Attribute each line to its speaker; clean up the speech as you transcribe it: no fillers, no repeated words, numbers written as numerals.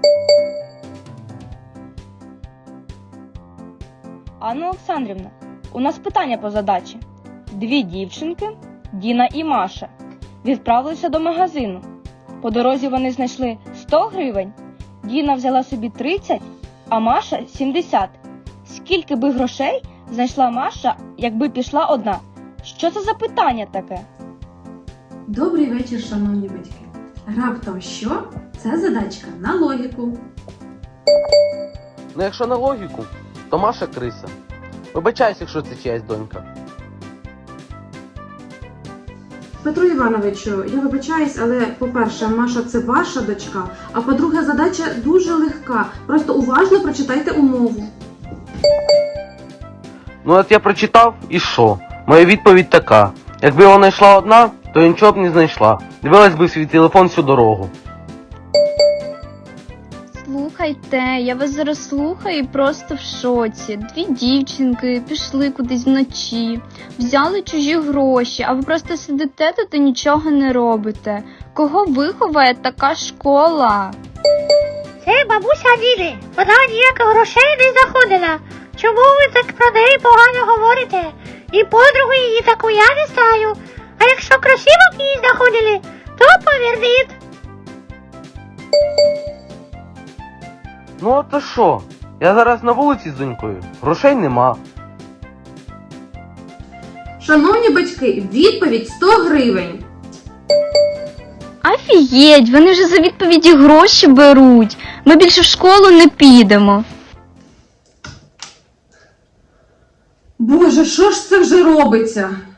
Speaker 1: Анна Олександрівна, у нас питання по задачі. Дві дівчинки, Діна і Маша, відправилися до магазину. По дорозі вони знайшли 100 гривень, Діна взяла собі 30, а Маша 70. Скільки би грошей знайшла Маша, якби пішла одна? Що це за питання таке?
Speaker 2: Добрий вечір, шановні батьки. Раптом що? Це задачка на логіку.
Speaker 3: Ну якщо на логіку, то Маша криса. Вибачайся, якщо це чиясь донька.
Speaker 2: Петро Івановичу, я вибачаюсь, але, по-перше, Маша – це ваша дочка, а по-друге, задача дуже легка. Просто уважно прочитайте умову.
Speaker 3: Ну от я прочитав і що? Моя відповідь така. Якби вона йшла одна, то нічого б не знайшла. Дивилась би в свій телефон всю дорогу.
Speaker 4: Слухайте, я вас зараз слухаю і просто в шоці. Дві дівчинки пішли кудись вночі, взяли чужі гроші, а ви просто сидите тут і нічого не робите. Кого виховає така школа?
Speaker 5: Це бабуся Ліли. Вона ніяких грошей не знаходила. Чому ви так про неї погано говорите? І подругу її таку я не знаю. А якщо красивок її знаходили, то поверніть.
Speaker 3: Ну а то що? Я зараз на вулиці з донькою. Грошей нема.
Speaker 2: Шановні батьки, відповідь 100 гривень.
Speaker 4: Офігеть, вони вже за відповіді гроші беруть. Ми більше в школу не підемо.
Speaker 2: Боже, що ж це вже робиться?